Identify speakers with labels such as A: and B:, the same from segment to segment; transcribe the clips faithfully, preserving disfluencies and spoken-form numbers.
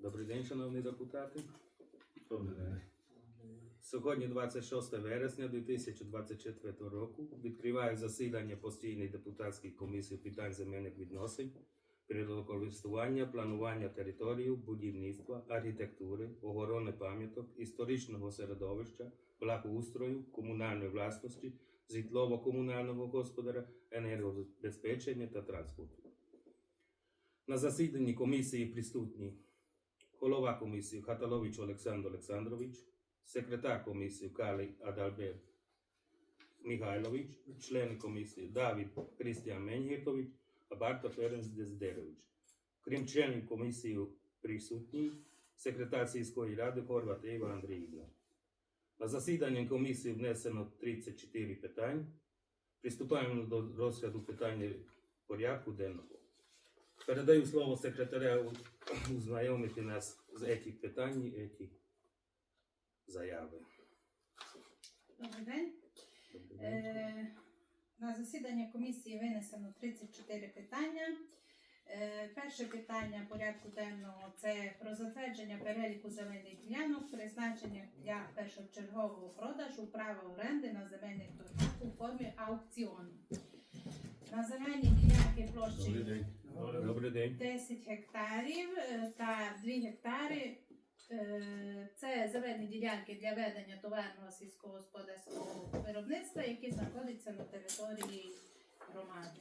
A: Добрий день, шановні депутати.
B: Добрий день.
A: Сьогодні, двадцять шостого вересня дві тисячі двадцять четвертого року, відкриваю засідання постійної депутатської комісії питань земельних відносин, природокористування, планування території, будівництва, архітектури, охорони пам'яток, історичного середовища, благоустрою, комунальної власності, житлово-комунального господаря, енергозабезпечення та транспорту. На засіданні комісії присутні голова комісії Хаталович Олександр Олександрович, секретар комісії Калий Адальберт Михайлович, члени комісії Давид Крістіан Менгіртович, а Барта Ференц Дездерович. Крім членів комісії присутні секретар сільської ради Хорват Ева Андріївна. На засіданні комісії внесено тридцять чотири питань. Приступаємо до розгляду питання порядку денного. Передаю слово секретарю ознайомити нас з цих питань і цих заяви.
C: Добрий день.
A: Добрий день.
C: Е, на засідання комісії винесено тридцять чотири питання. Е, перше питання порядку денного – це про затвердження переліку земельних ділянок, призначення для першочергового продажу права оренди на земельних торгах у формі аукціону. На земельні ділянки площі
B: Добрий день.
A: Добрий день.
C: десять гектарів е, та два гектари. Е, Це земельні ділянки для ведення товарного сільськогосподарського виробництва, які знаходяться на території громади.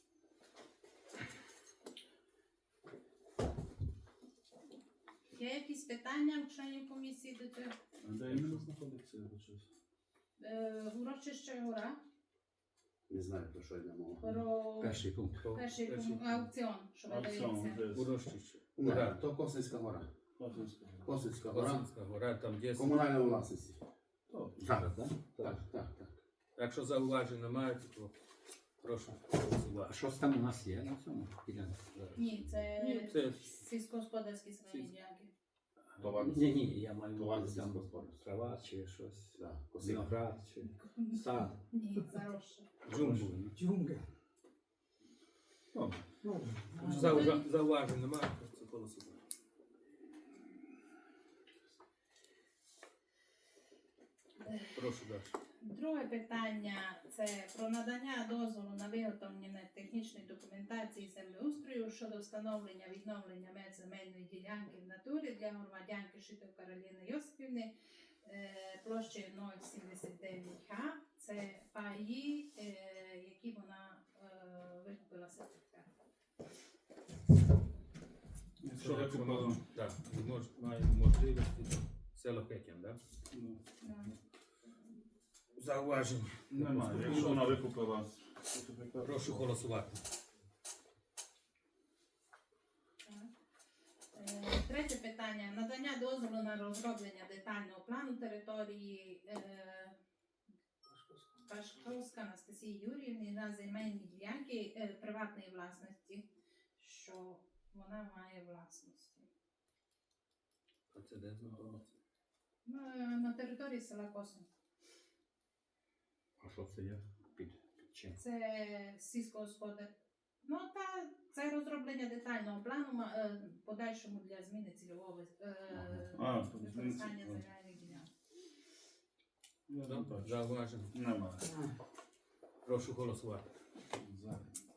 C: Є якісь питання у членів комісії до цього?
B: А де іменно знаходиться щось?
C: Е, Урочище Гора
D: Не знаю, про що йде мова.
C: про
E: Перший пункт.
C: перший пункт, аукціон, що
B: Аукціон,
C: видається.
B: де?
A: Урочище.
D: Не,
A: Гора.
D: то Косинська гора.
B: Косинська.
D: Косинська гора.
A: Косинська гора, там є.
D: Комунальна власність.
B: То,
E: Зараз, так?
D: Так, так, так.
A: Якщо зауважень немає, то прошу
E: А
A: голосувати.
E: що там у нас є на цьому ділянці?
C: Ні, це,
A: Ні, це
C: сільськогосподарські земельні ділянки.
D: Товарний
E: Ні, ні, я маю на
D: Товарне
E: увазі там
D: сільськогосподарство.
E: трава чи щось.
D: Да, Косинська.
E: Виноград чи сад.
C: Ні, заросше.
A: джунгл.
F: Джунгля.
B: добре.
F: Ну,
A: Зауважень зауважень немає, то це голосувати. Прошу далі.
C: Друге питання – це про надання дозволу на виготовлення технічної документації землеустрою щодо встановлення відновлення меж земельної ділянки в натурі для громадянки Шитов Кароліни Йосипівни е, площею нуль сімдесят дев'ять га. Це паї, е, які вона е, викупила сертифікат.
B: Що ви купили?
A: Так, мож, має можливості. Село Хекін, так?
B: Ну,
A: Зауважень.
B: немає. Якщо вона викупила сертифікат,
A: Прошу голосувати.
C: Е, Третє питання. Надання дозволу на розроблення детального плану території е, Пашковська Анастасії Юріївни на земельні ділянки е, приватної власності, що вона має власності.
A: А це де знаходиться?
C: На, на території села Косин.
E: А що це є? Під, під чим?
C: Це сільськогосподар. Ну та це розроблення детального плану ма- е, подальшому для зміни цільового е,
B: А, то зміни
C: використання
B: цільового.
C: земельних ділянок.
B: я не
A: Добре,
B: бачу.
A: зауважень.
B: Немає.
A: Прошу голосувати.
B: За.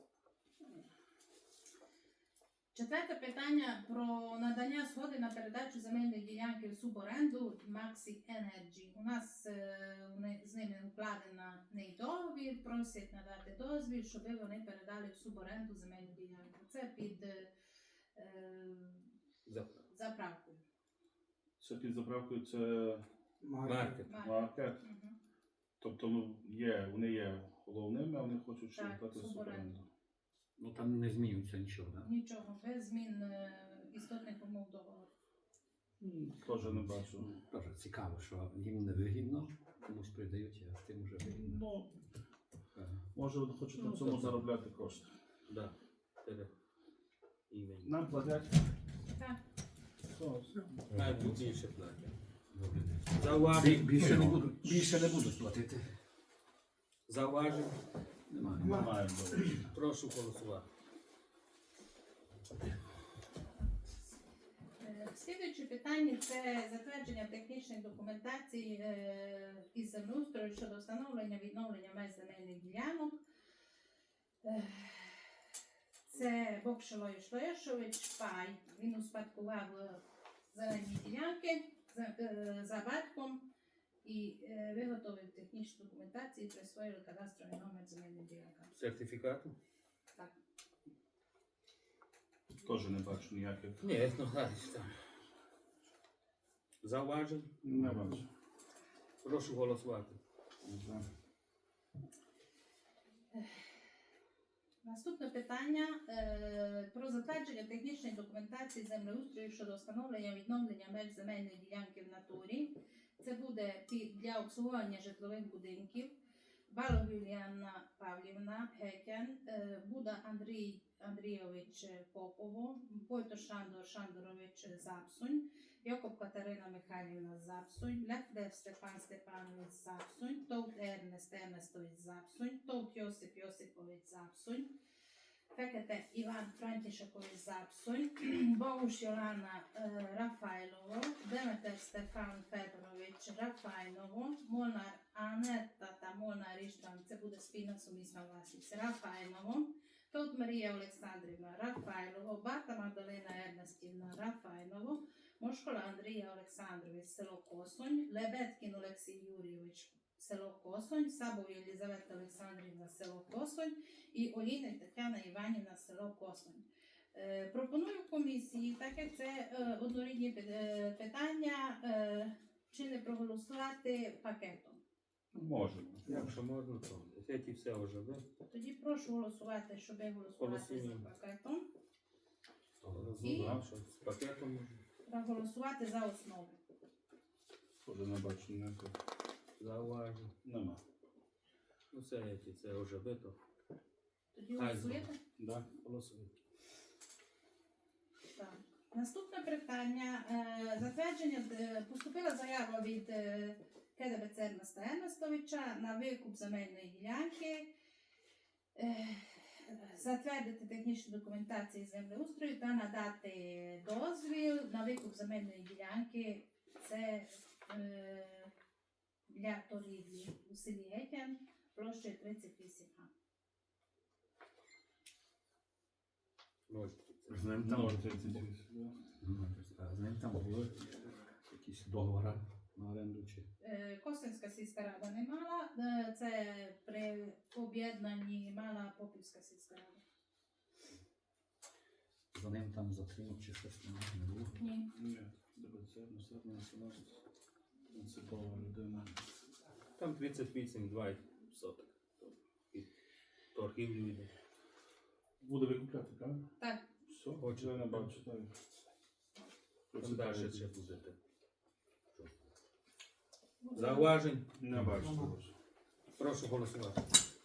C: Четверте питання про надання згоди на передачу земельної ділянки в суборенду Maxi Energy. У нас е, вони- з ними укладена неї договір, просять надати дозвіл, щоб вони передали в суборенду земельну ділянку. Це під е, е,
A: Заправ.
C: заправкою.
B: Це під заправкою це
A: Маркет.
B: маркет.
C: Мгм.
B: Тобто ну, є, вони є головними, а вони хочуть ще
C: Так,
B: дати
C: суборенду.
B: суборенду.
E: Ну там не змінюється нічого, так?
C: Нічого, без змін е, істотних умов договору.
B: М, Теж не бачу.
E: Дуже цікаво, що їм не вигідно, комусь придають, а тим уже вигідно.
B: Ну,
E: Так.
B: може вони хочуть
A: Ну,
B: на цьому
A: так.
B: заробляти кошти.
A: Да. Це імені.
B: Нам платять.
C: Так.
B: Все.
A: Навіть більше платять.
E: Добре. Бі-
A: Зауважень.
E: Більше не будуть, більше не будуть платити.
A: Зауважень.
E: Немає.
B: Немає. добре.
A: Прошу голосувати.
C: Е, Слідуюче питання це затвердження технічної документації е, із землеустрою щодо встановлення відновлення меж земельних ділянок. Е, Це Бокшило і Шлешович Пай. Він успадкував е, зелені ділянки за, е, за батьком і е, виготовив технічну документацію і присвоїв кадастровий номер земельних ділянкам.
A: Сертифікату?
C: Так.
B: Теж не бачу ніяких.
A: Ні, ну гадиш там. Зауважень?
B: Не бачу.
A: Прошу голосувати.
B: За.
C: Наступне питання е, про затвердження технічної документації землеустрою щодо встановлення відновлення меж земельної ділянки в натурі. Це буде під- для обслуговування житлових будинків. Балог Юліана Павлівна Гекян, е, Буда Андрій Андрійович Попово, Пойто Шандор Шандорович Запсунь, Якоб Катерина Михайлівна Запсунь, Лефлев Степан Степанович Запсунь, Товт Ернест Ернестович Запсунь, Товт Йосип Йосипович Запсунь, Фекете Іван Франтішакович Запсунь, Богуш Йолана е, Рафайлово, Деметер Стефан Федорович Рафайново, Молнар Анетта та Молнар Іштван, це буде спільна сумісна власність, Рафайново, Товт Марія Олександрівна Рафайлово, Барта Магдалина Ернестівна Рафайново, Мошкола Андрія Олександрович, село Косонь, Лебедкін Олексій Юрійович, село Косонь, Сабо Єлізавета Олександрівна, село Косонь і Олійник Тетяна Іванівна, село Косонь. Е, пропоную комісії, так як це е, однорідні пи- е, питання, е, чи не проголосувати пакетом.
B: Можемо.
A: Якщо можна, то ці все вже, да?
C: Тоді прошу голосувати, щоб голосувати за
A: Голосуємо.
C: пакетом.
A: І? Що, з пакетом можна?
C: Проголосувати за основу.
B: Теж не бачу ніяких.
A: Зауважень.
B: Нема.
A: Ну це ці, це вже бито.
C: Тоді
A: Хай
C: голосуєте?
B: Да.
A: Голосуємо.
C: Так. Наступне питання. Е, Затвердження е, поступила заява від е, КДБЦ Ернеста Ернестовича на викуп земельної ділянки. Е, Затвердити технічну документацію землеустрою та надати дозвіл на викуп земельної ділянки. Це е, для торгівлі у селі Гетян площею тридцять вісім га.
A: Можете.
E: З ним там,
B: Може тридцять вісім.
E: з ним там були якісь договори на оренду чи.
C: Е, Косинська сільська рада не мала, е, це при об'єднанні мала Попівська сільська рада.
E: За ним там затримав чи щось не- не було.
C: Ні.
B: Ні. ДБЦ, ну все одно національність. Принципова людина.
A: Там тридцять вісім два соток. І торгівлю йде.
B: Буде викупляти, правильно?
C: Так.
B: Все,
A: Хочу.
B: я не бачу. Так.
A: Там далі ще будете. Зауважень.
B: Не бачу. теж.
A: Прошу голосувати.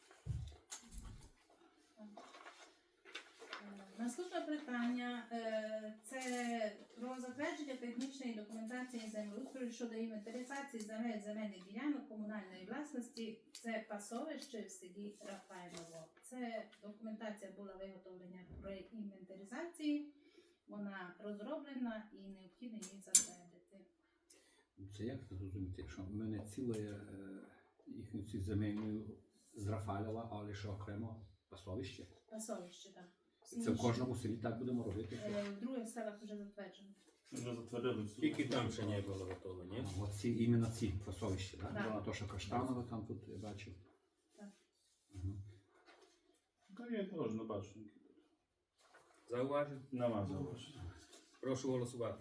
C: Е, Наступне питання е, це про затвердження технічної документації землеустрою щодо інвентаризації земель земельних ділянок комунальної власності. Це пасовище в селі Рафайлово. Це документація була виготовлена при інвентаризації. Вона розроблена і необхідно її затвердити.
E: Це як це зрозуміти, якщо в мене ціле е, їхню цю земельну з Рафалєва, але ще окремо пасовище.
C: Пасовище, так. Всі
E: Це в
C: інші,
E: кожному селі так будемо робити. що-
C: е, В других селах вже затверджено.
B: Ми вже затвердили всю.
A: Тільки там ще не було готово, ні?
E: А, от ці, іменно ці пасовища, так?
C: Так.
E: Да? То, що Каштанове там тут я бачив.
C: Так.
E: Мгм.
B: Та я теж не бачу.
A: Зауважень.
B: Нема зауважень.
A: Прошу голосувати.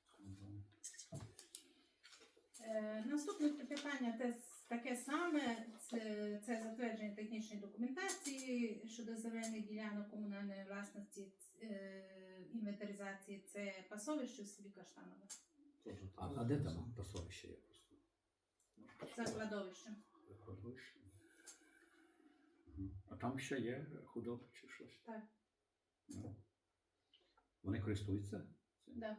C: Е, Наступне питання те, таке саме. Це, це затвердження технічної документації щодо земельних ділянок комунальної власності, е, інвентаризації. Це пасовище в селі Каштанове.
B: Теж
E: А,
B: так.
E: а де там пасовище є просто?
C: За кладовищем.
E: Кладовище. Мгм. А там ще є худоба чи щось?
C: Так.
E: Ну. Вони користуються? цим?
C: Да.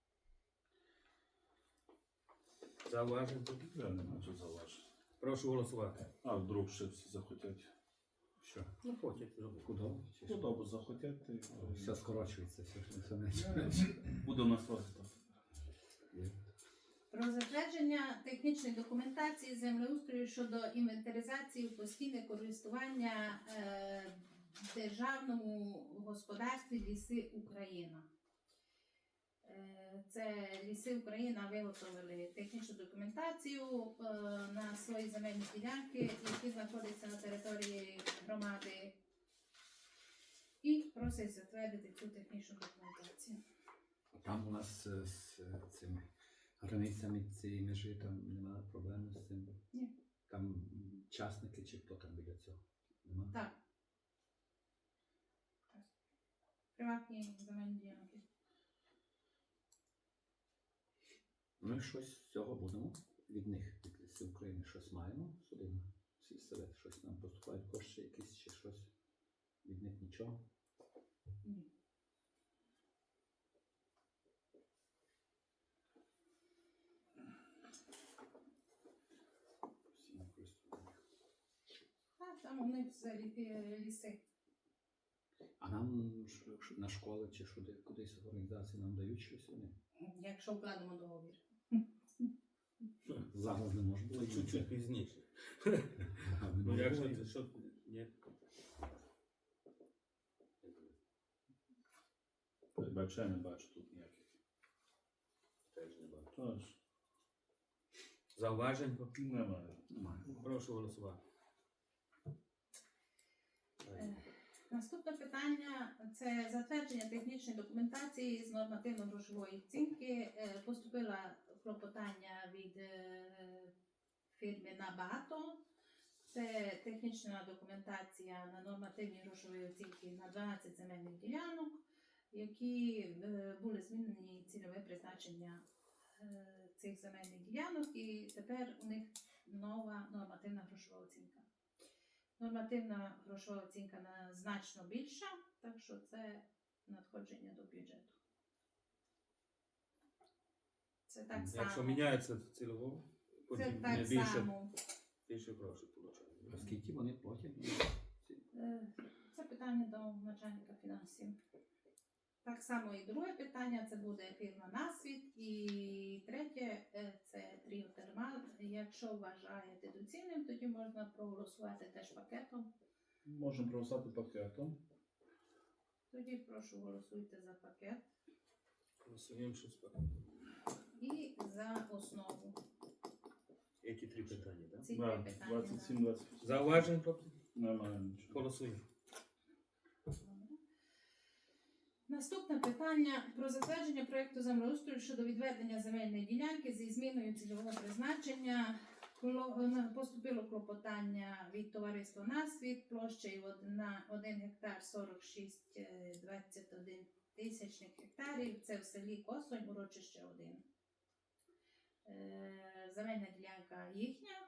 A: Зауважень.
B: Я не бачу зауважень.
A: Прошу голосувати.
B: А вдруг ще всі захотять.
E: Що?
A: Ну, хочуть зробити.
E: Худоба? Чи що?
B: Худобу захотять. і-
E: Все скорочується, все, все менше.
B: Буде у нас розвиток.
C: Про затвердження технічної документації землеустрою щодо інвентаризації в постійне користування е, державному господарстві Ліси Україна. Е, Це Ліси Україна виготовили технічну документацію е, на свої земельні ділянки, які знаходяться на території громади, і просять затвердити цю технічну документацію.
E: Там у нас е, з е, цими границями цієї межі там немає проблем з цим.
C: Ні.
E: Там м, частники чи хто там біля цього? Нема?
C: Так. Приватні земельні ділянки.
E: Ми щось з цього будемо від них, від Лісів України, щось маємо сюди на сільсовет, щось нам поступають кошти якісь чи щось. Від них нічого.
C: Ні.
E: Постійне користування.
C: А там у них це лі- ліси.
E: А нам ш- ш- на школи чи сюди, кудись організації нам дають щось вони?
C: Якщо вкладемо договір.
E: Зараз не може бути.
A: Чуть-чуть пізніше.
E: Ага, не
A: Ну
E: може
A: якщо
E: бути.
A: це що, ні.
B: Бачу, я не бачу тут ніяких.
A: Теж не бачу.
B: Тож,
A: Зауважень?
B: немає.
E: Немає.
A: Прошу голосувати.
C: Е, Наступне питання – це затвердження технічної документації з нормативно-грошової оцінки. Е, Поступило клопотання від е, фірми «Набагато». Це технічна документація на нормативні грошові оцінки на дванадцять земельних ділянок, які е, були змінені цільове призначення е, цих земельних ділянок, і тепер у них нова нормативна грошова оцінка. Нормативна грошова оцінка на значно більша, так що це надходження до бюджету. Це так само.
A: Якщо міняється цільово,
C: Це
A: потім
C: так
A: не більше,
C: само.
A: більше грошей получають.
E: А скільки вони платять?
C: Е, Це питання до начальника фінансів. Так само і друге питання це буде фірма «Насвіт». І третє е, це «Тріотермал». Якщо вважаєте доцільним, тоді можна проголосувати теж пакетом.
B: Можемо проголосувати пакетом.
C: Тоді прошу голосуйте за пакет
A: Голосуємо щось пак.
C: і за основу.
A: Які три питання, так?
C: Ці
B: Да,
C: три питання.
B: двадцять сім двадцять вісім.
A: Зауважень, хлопці?
B: Немає нічого.
A: Голосуємо.
C: Добре. Наступне питання про затвердження проєкту землеустрою щодо відведення земельної ділянки зі зміною цільового призначення. Кло- Поступило клопотання від товариства «Насвіт» площею на один гектар сорок шість е, двадцять один тисячних гектарів. Це в селі Косонь, урочище один. Е, Земельна ділянка їхня.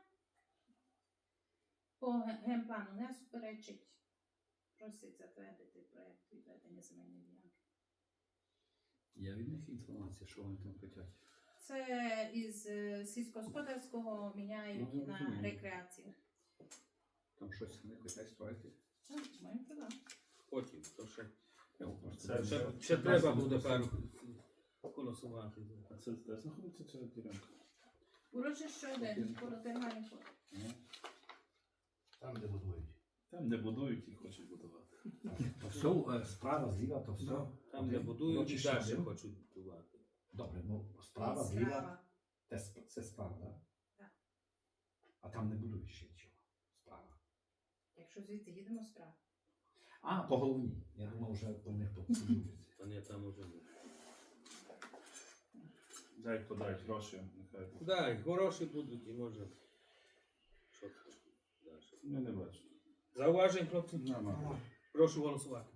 C: По ге- генплану не суперечить. Просить затвердити проєкт відведення земельної ділянки.
E: Є від них інформація, що вони там хочуть?
C: Це із е, сільськогосподарського міняють
E: Ну, я
C: на
E: розумію.
C: рекреацію.
E: Там щось вони хочуть строїти?
C: Так, маємо туди.
A: Потім, то ще,
E: Я просто
B: Це
A: ще,
B: вже-
A: ще
B: це
A: треба
B: власне
A: буде
B: просто-
A: пару голосувати.
B: А це де знаходиться ця ділянка?
C: Урочище один, коло термальних вод.
B: Ну,
D: Там, де будують.
B: Там, де будують і хочуть будувати.
E: То все, е, справа, зліва, то все.
A: Там, де
E: Один.
A: будують, і
E: Урочище
A: далі
E: один.
A: хочуть будувати.
E: Добре, ну справа,
C: І
E: зліва,
C: справа.
E: це, сп- це справа, так?
C: Так.
E: А там не будують ще нічого. Справа.
C: Якщо звідти їдемо справа.
E: А, по головній. Я думав, вже по них побудуються.
A: Та ні, там уже не.
B: Дай подають гроші, нехай.
A: Да, і хороші будуть, і може. Що там далі?
B: Я не бачу.
A: Зауважень, хлопці?
B: Немає.
A: Прошу голосувати.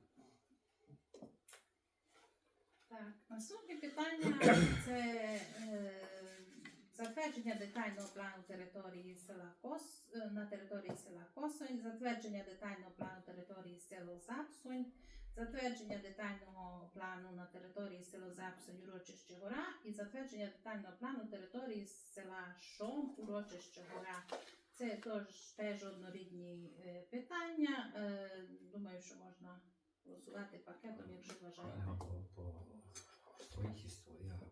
C: Так, наступне питання це е, затвердження детального плану території села Кос е, на території села Косонь, затвердження детального плану території село Запсонь, затвердження детального плану на території село Запсонь, урочище Гора і затвердження детального плану території села Шом, урочище Гора. Це тож теж однорідні е, питання. Е, думаю, що можна голосувати пакетом, якщо вважаєте.
E: Ага, по, по своїх історіях мало по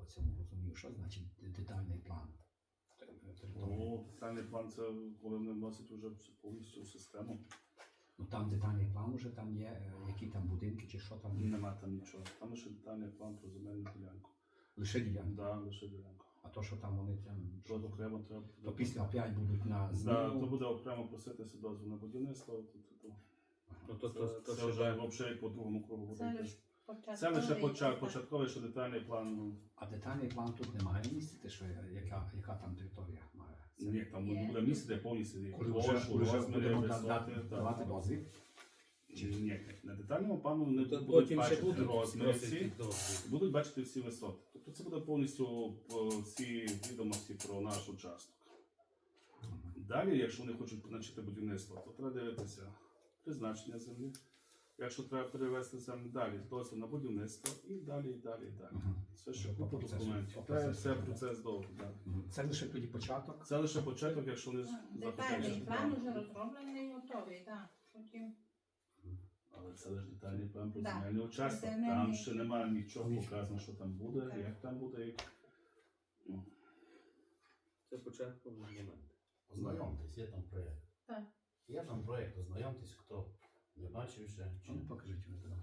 D: це не розумію, що значить детальний план.
B: Ну, детальний план це коли вони вносять вже повністю в систему.
D: Ну там детальний план уже там є, е, які там будинки чи що там є.
B: Нема там нічого. Там лише детальний план про земельну ділянку.
D: Лише ділянки.
B: Да, лише ділянку.
D: А то, що там вони там.
B: Що окремо треба.
D: То після опять будуть на
B: Да,
D: зміну.
B: то буде окремо проситися дозвіл на будівництво. То, то, то.
A: Ну, то,
B: Це,
A: то, то,
B: це
A: що
B: вже
A: вже
B: взагалі по другому кругу
C: Це
B: буде.
C: лише
B: йти.
C: початковий.
B: Це лише почат,
C: етап.
B: початковий, що детальний план. Ну,
D: А детальний план тут немає містити, що я- яка, яка там територія має. Це-
B: ні, там
C: Є.
B: буде місце, де повністю є
D: Коли вже,
B: площу,
D: коли вже
B: розміри,
D: будемо да-
B: висоти,
D: дати-
B: так.
D: давати дозвіл.
B: Ні, на детальному плану не
A: То
B: будуть
A: потім ще
B: бачити
A: будуть
B: розміри
A: просити
B: всі,
A: дозвіл.
B: будуть бачити всі висоти. Тобто це буде повністю по всі відомості про наш участок. Далі, якщо вони хочуть почати будівництво, то треба дивитися призначення землі. Якщо треба перевести землю далі, дозвіл на будівництво і далі, і далі, і далі.
D: Мгм.
B: Це ще
D: Вже по
B: купа
D: процесу-
B: документів.
D: по
B: Це
D: процесу
B: все
D: йде.
B: процес довгий. Да.
D: Мгм. Це лише тоді початок.
B: Це лише початок, якщо вони
C: Детальний
B: захочуть.
C: план вже розроблений і готовий, так. Потім
B: Але це лише детальний план про
C: Да.
B: земельний участок.
C: Земельний.
B: Там ще немає нічого
D: Нічого.
B: показано, що там буде,
C: Так.
B: як там буде. Як... Ну,
A: Це початковий момент.
D: Ознайомтесь, є там проєкт.
C: Так.
D: Є там проєкт, ознайомтесь, хто не бачив ще. Чи не покажіть ви тоді.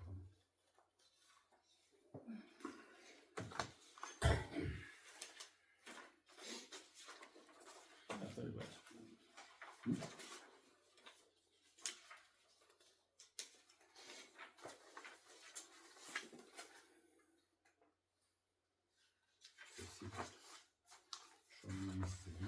B: я це і бачу.
D: Це всі тут, що на місці, не?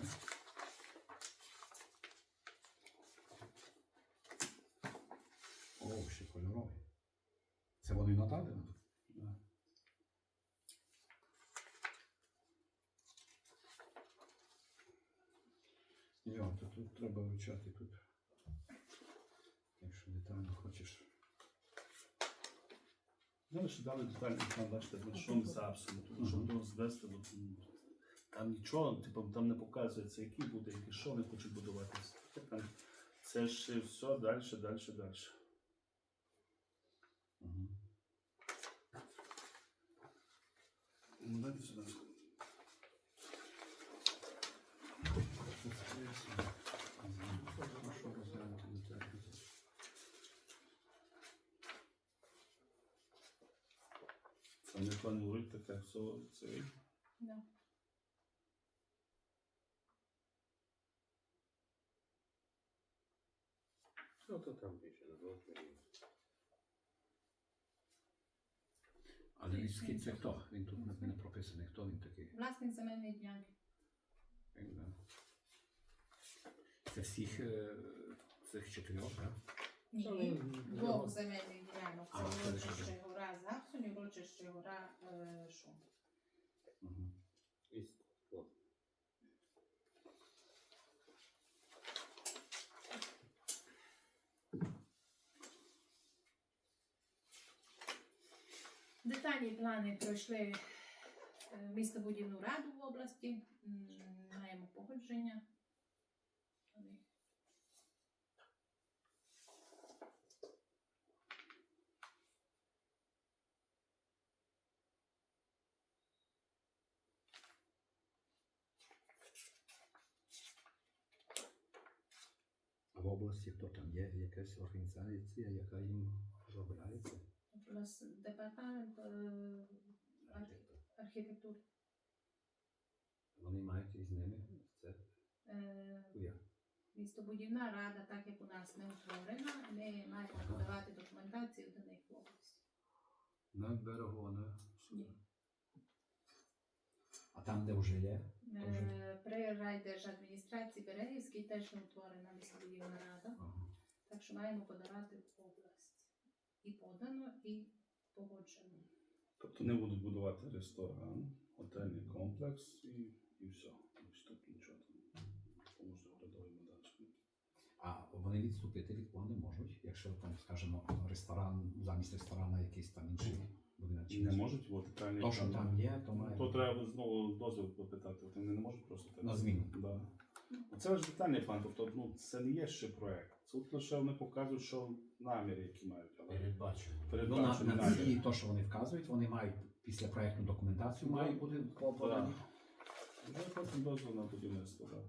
D: О, ще кольорові. Це вони надали?
B: Да.
D: Йо, то тут треба вивчати тут. Якщо детально хочеш.
B: Ну, лише дали детальний план, бачите, ну, що не за абсолютно, щоб то звести до там нічого, типу, там не показується, який буде, який що вони хочуть будуватися. Там це ж все далі, далі, далі.
D: Угу.
B: Ну, дайте сюди. Це не планують таке, все це.
C: да.
A: Ну, то там більше на двох мільйонів.
D: А Львівський це хто? Він тут не- не прописаний. Хто він такий?
C: Власник земельної ділянки.
D: Він, да. Це всіх е, цих чотирьох, так?
C: Ні,
A: Ну,
C: двох
A: ну,
C: земельних ділянок.
D: А,
C: Це
D: це
C: урочище
D: лише
C: гора Запсунь, урочище гора е, Шум.
D: Угу.
A: І склад.
C: Детальні плани пройшли е, містобудівну раду в області. М, Маємо погодження. Вони
D: А в області хто там є? Якась організація, яка їм розробляється?
C: У нас департамент е, архі- архітектури.
D: Вони мають із ними це
C: Е,
D: як?
C: Містобудівна рада, так як у нас не утворена, ми маємо подавати документацію до них в області.
D: На берегу, на
C: Ні.
D: А там, де вже є?
C: Е, При райдержадміністрації Берегівській теж не утворена містобудівна рада,
D: Ага.
C: так що маємо подавати в область. І подано, і погоджено.
B: Тобто не будуть будувати ресторан, готельний комплекс і, і все. Більше тут нічого там поможуть оглядовими дачами.
D: А вони відступити від плану можуть, якщо там, скажімо, ресторан, замість ресторана якийсь там інший будинок. чи
B: Не
D: інший.
B: можуть, бо детальний
D: То, що там є, то має.
B: То треба знову дозвіл попитати, вони не можуть просто так.
D: На зміну.
B: Да. Це ж детальний план, тобто ну, це не є ще проєкт. Тут лише вони показують, що наміри, які мають. Але
D: Передбачено. Ну, на,
B: передбачені
D: на
B: наміри.
D: ці, то, що вони вказують, вони мають після проєктну документацію
B: Да.
D: має бути по- подані.
B: Вже потім дозвіл на будівництво, так.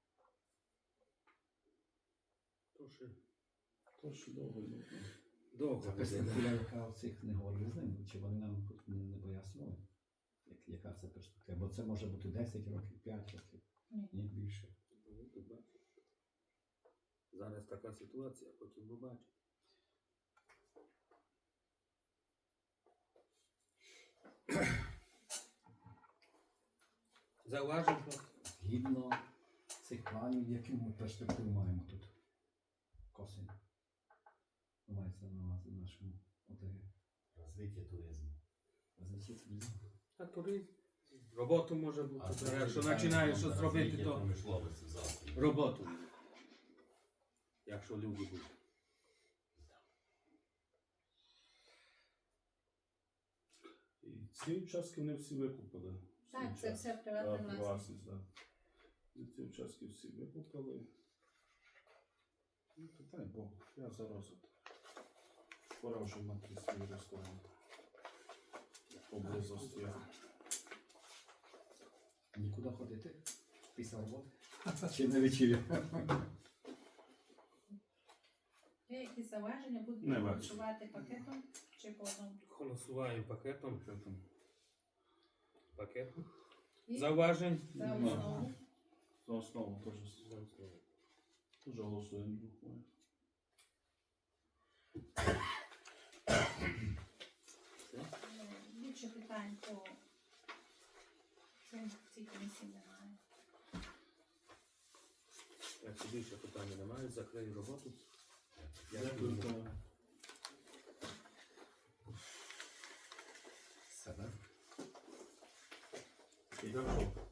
A: То ще
B: То ще довго йде.
A: довго
D: Ця
A: буде.
D: перспектива, яка оцих не говорили з ним, чи вони нам тут не, не пояснювали, як, яка це перспектива. Бо це може бути десять років, п'ять років,
C: Ні.
D: ні більше.
A: Ну, побачимо. Зараз така ситуація, потім побачимо. Зауважив, що
D: Згідно цих планів, яку ми перспективу маємо тут. Косин. Мається на увазі в нашому ОТГ.
F: Розвиття туризму.
D: Розвиття туризму.
A: а туризм. Роботу може бути.
F: А це
A: Якщо
F: питання
A: починаєш
F: на
A: щось робити,
F: розвиття
A: то
F: промисловості завтра.
A: роботу. Якщо люди будуть.
B: І ці участки вони всі викупили. в свій
C: Так, це
B: час.
C: все приватна
B: Так,
C: власність.
B: власність, так. І ці участки всі викупили. Ну, то дай Бог, я за розвиток. Пора вже мати свій ресторан. Поблизості.
D: Нікуди ходити після роботи? Чи на вечір'я?
C: Є якісь зауваження, будуть
B: Не бачу.
C: голосувати пакетом чи по одному?
A: Голосуваємо пакетом. Пакет.
C: І
A: Зауважень.
C: за
B: Нема.
C: основу.
B: За основу теж,
A: За основу.
B: теж голосуємо. двох.
C: Е, Більше питань по цим- цій комісії немає.
A: Якщо більше питань немає, закрию роботу.
B: Дякую.
A: Дякую.
D: Все, так?
B: Дякую.